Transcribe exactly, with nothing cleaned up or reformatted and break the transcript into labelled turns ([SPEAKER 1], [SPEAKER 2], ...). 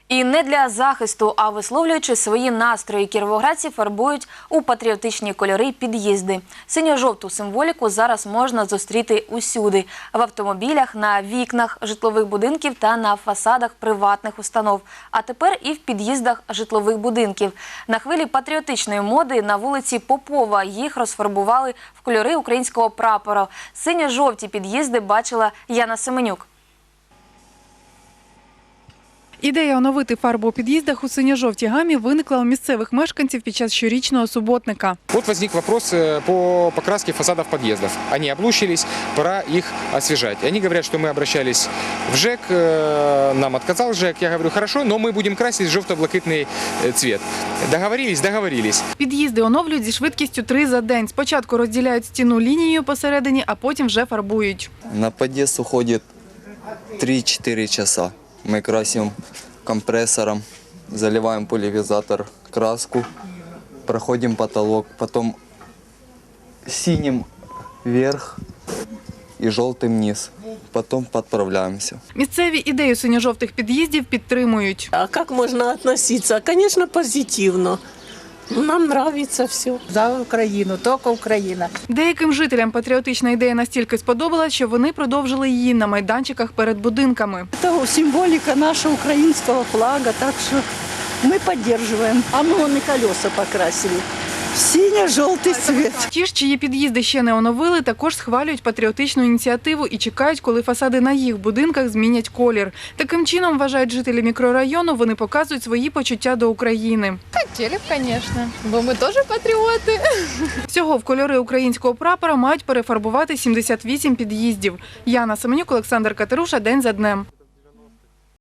[SPEAKER 1] І не для захисту, а висловлюючи свої настрої, кіровоградці фарбують у патріотичні кольори під'їзди. Синьо-жовту символіку зараз можна зустріти усюди – в автомобілях, на вікнах житлових будинків та на фасадах приватних установ. А тепер і в під'їздах житлових будинків. На хвилі патріотичної моди на вулиці Попова їх розфарбували в кольори українського прапора. Синьо-жовті під'їзди бачила Яна Семенюк.
[SPEAKER 2] Ідея оновити фарбу у під'їздах у синьо-жовтій гамі виникла у місцевих мешканців під час щорічного суботника.
[SPEAKER 3] Вот возник вопрос по покраске фасадов подъездов. Они облучились, пора их освежать. Они говорят, что мы обращались в ЖЭК, нам отказал ЖЭК. Я говорю, хорошо, но мы будем красить желто-блакитный цвет. Договорились, договорились.
[SPEAKER 2] Під'їзди оновлюють зі швидкістю три за день. Спочатку розділяють стіну лінією посередині, а потім вже фарбують.
[SPEAKER 4] На подъезд уходит три-четыре часа. Мы красим компрессором, заливаем пульверизатор, краску, проходим потолок, потом синим вверх и желтым вниз. Потом подправляемся.
[SPEAKER 2] Місцеві ідею синьо-жовтих під'їздів підтримують.
[SPEAKER 5] А как можно относиться? Конечно, позитивно. Нам нравится все.
[SPEAKER 6] За Україну, тільки Україна.
[SPEAKER 2] Деяким жителям патріотична ідея настільки сподобалась, що вони продовжили її на майданчиках перед будинками.
[SPEAKER 6] Це символіка нашого українського флага, так що ми підтримуємо. А ми вон і колеса покрасили. Синьо-жовтий цвіт.
[SPEAKER 2] Ті ж, чиї під'їзди ще не оновили, також схвалюють патріотичну ініціативу і чекають, коли фасади на їх будинках змінять колір. Таким чином, вважають жителі мікрорайону, вони показують свої почуття до України.
[SPEAKER 7] Хотіли б, звісно, бо ми теж патріоти.
[SPEAKER 2] Всього в кольори українського прапора мають перефарбувати сімдесят вісім під'їздів. Яна Семенюк, Олександр Катеруша. День за днем.